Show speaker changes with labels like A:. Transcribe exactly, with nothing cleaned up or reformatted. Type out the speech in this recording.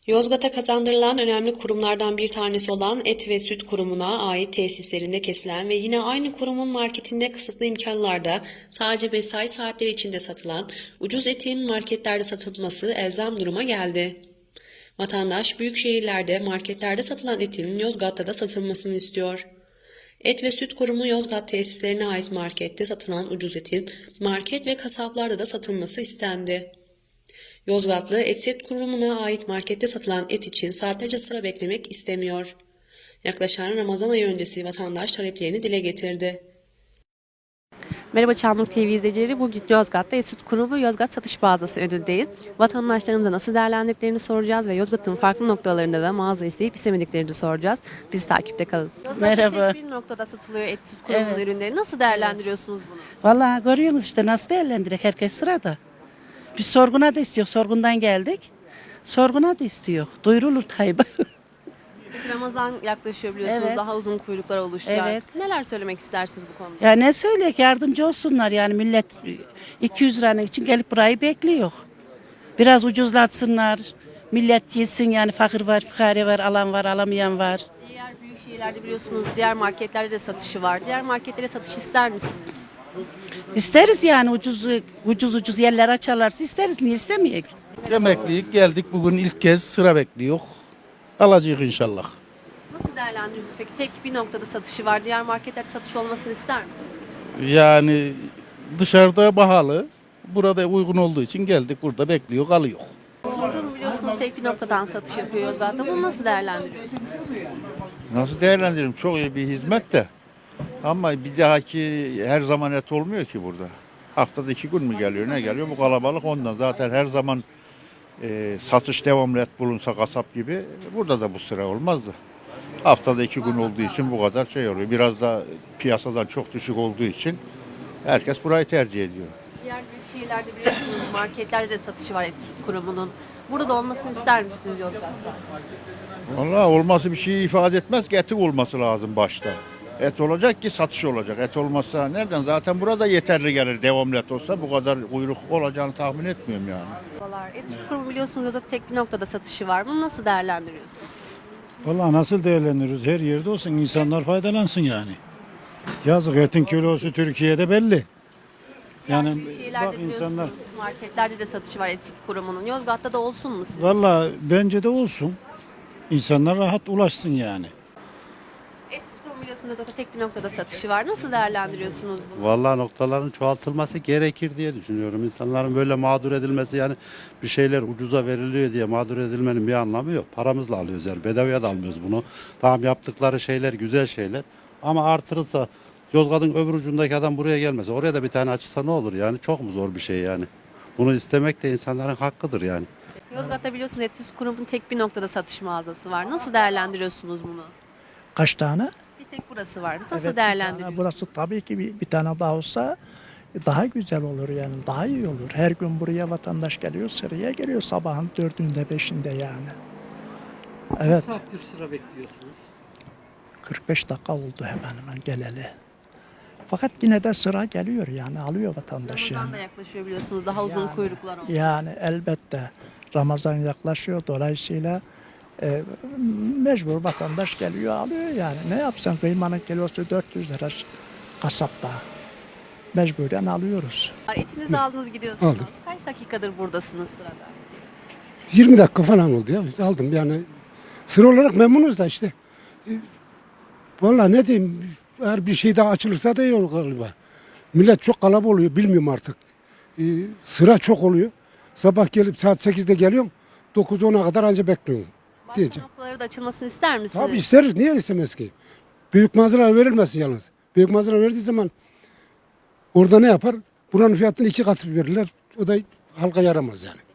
A: Yozgat'a kazandırılan önemli kurumlardan bir tanesi olan Et ve Süt Kurumu'na ait tesislerinde kesilen ve yine aynı kurumun marketinde kısıtlı imkanlarda sadece mesai saatleri içinde satılan ucuz etin marketlerde satılması elzem duruma geldi. Vatandaş büyük şehirlerde marketlerde satılan etin Yozgat'ta da satılmasını istiyor. Et ve Süt Kurumu Yozgat tesislerine ait markette satılan ucuz etin market ve kasaplarda da satılması istendi. Yozgatlı Et Süt Kurumu'na ait markette satılan et için saatlerce sıra beklemek istemiyor. Yaklaşan Ramazan ayı öncesi vatandaş taleplerini dile getirdi.
B: Merhaba Çamlık T V izleyicileri. Bugün Yozgat'ta Et Süt Kurumu Yozgat satış mağazası önündeyiz. Vatandaşlarımıza nasıl değerlendirdiklerini soracağız ve Yozgat'ın farklı noktalarında da mağaza isteyip istemediklerini soracağız. Bizi takipte kalın. Yozgat'ta
C: Merhaba.
B: tek bir noktada satılıyor Et Süt Kurumu'nun
C: Evet.
B: ürünleri. Nasıl değerlendiriyorsunuz bunu?
C: Vallahi görüyorsunuz işte nasıl değerlendirek herkes sırada. Biz sorguna da istiyor. Sorgundan geldik. Sorguna da istiyor. Duyurulur Tayyip'e.
B: Peki Ramazan yaklaşıyor biliyorsunuz.
C: Evet.
B: Daha uzun kuyruklar oluşacak.
C: Evet.
B: Neler söylemek istersiniz bu konuda?
C: Ya ne söyleyek yardımcı olsunlar yani millet iki yüz lira için gelip burayı bekliyor. Biraz ucuzlatsınlar. Millet yesin yani fakir var, fukare var, alan var, alamayan var.
B: Diğer büyük şehirlerde biliyorsunuz diğer marketlerde de satışı var. Diğer marketlere satış ister misiniz?
C: İsteriz yani ucuz ucuz ucuz yerler açarlarsa isteriz. Niye istemeyek?
D: Emeklilik geldik bugün ilk kez sıra bekliyor. Alacağız inşallah.
B: Nasıl değerlendiriyorsunuz peki? Tek bir noktada satışı var. Diğer marketlerde satış olmasını ister misiniz?
D: Yani dışarıda pahalı. Burada uygun olduğu için geldik burada bekliyor kalıyor.
B: Kurum biliyorsunuz tek bir noktadan satış yapıyor Yozgat'ta. Bunu nasıl değerlendiriyorsunuz?
E: Nasıl değerlendiririm? Çok iyi bir hizmet de. Ama bir dahaki her zaman et olmuyor ki burada. Haftada iki gün mü geliyor ne geliyor? Bu kalabalık ondan. Zaten her zaman e, satış devamlı et bulunsa kasap gibi burada da bu sıra olmazdı. Haftada iki gün olduğu için bu kadar şey oluyor. Biraz da piyasadan çok düşük olduğu için herkes burayı tercih ediyor.
B: Diğer büyük şehirlerde biliyorsunuz marketlerde de satışı var Et Süt Kurumu'nun. Burada da olmasını ister misiniz Yozgat'ta?
E: Vallahi olması bir şey ifade etmez ki eti olması lazım başta. Et olacak ki satış olacak. Et olmazsa nereden? Zaten burada yeterli gelir devamlı et olsa bu kadar kuyruk olacağını tahmin etmiyorum yani.
B: Merhabalar. Et Süt Kurumu biliyorsunuz Yozgat'ta tek bir noktada satışı var. Bunu nasıl değerlendiriyorsunuz?
F: Vallahi nasıl değerlendiririz? Her yerde olsun insanlar faydalansın yani. Yazık etin kilosu Türkiye'de belli.
B: Yani
F: Yani
B: büyük şehirlerde
F: bak
B: biliyorsunuz
F: insanlar
B: marketlerde de satışı var Et Süt Kurumu'nun. Yozgat'ta da olsun mu sizce?
F: vallahi bence de olsun. İnsanlar rahat ulaşsın yani.
B: Et Süt Kurumu biliyorsunuz Yozgat'ta tek bir noktada satışı var. Nasıl değerlendiriyorsunuz bunu?
G: Vallahi noktaların çoğaltılması gerekir diye düşünüyorum. İnsanların böyle mağdur edilmesi yani bir şeyler ucuza veriliyor diye mağdur edilmenin bir anlamı yok. Paramızla alıyoruz yani bedavaya da almıyoruz bunu. Tamam yaptıkları şeyler güzel şeyler ama artırılsa Yozgat'ın öbür ucundaki adam buraya gelmese oraya da bir tane açılsa ne olur yani çok mu zor bir şey yani. Bunu istemek de insanların hakkıdır yani.
B: Yozgat'ta biliyorsunuz Et Süt Kurumu'nun tek bir noktada satış mağazası var. Nasıl değerlendiriyorsunuz bunu?
H: Kaç tane?
B: Bir tek burası var. Nasıl
H: Evet, bir tane.
B: değerlendiriyorsunuz?
H: Burası tabii ki bir, bir tane daha olsa daha güzel olur yani daha iyi olur. Her gün buraya vatandaş geliyor, sıraya geliyor sabahın dördünde beşinde yani. Evet.
I: Kaç saattir sıra bekliyorsunuz?
H: kırk beş dakika oldu hemen hemen geleli. Fakat yine de sıra geliyor yani alıyor vatandaş
B: Ramazan
H: yani.
B: da yaklaşıyor biliyorsunuz. Daha uzun
H: Yani-
B: kuyruklar oldu.
H: Yani elbette Ramazan yaklaşıyor dolayısıyla e, mecbur vatandaş geliyor alıyor yani. Ne yapsan kıymanın kilosu dört yüz lira kasapta. Mecburen alıyoruz.
B: Etinizi aldınız gidiyorsunuz. Kaç dakikadır buradasınız sırada?
J: yirmi dakika falan oldu ya. Aldım yani. Sıra olarak memnunuz da işte. E, Vallahi ne diyeyim. Eğer bir şey daha açılırsa da iyi olur galiba. Millet çok kalabalık oluyor. Bilmiyorum artık. E, sıra çok oluyor. Sabah gelip saat sekizde geliyorum. dokuz ona kadar anca bekliyorum.
B: Başka
J: Diyeceğim.
B: noktaları da açılmasını ister misiniz?
J: Tabii isteriz. Niye istemez ki? Büyük mağazalar verilmesin yalnız. Büyük mağazalar verdiği zaman orada ne yapar? Buranın fiyatını iki katı verirler. O da halka yaramaz yani.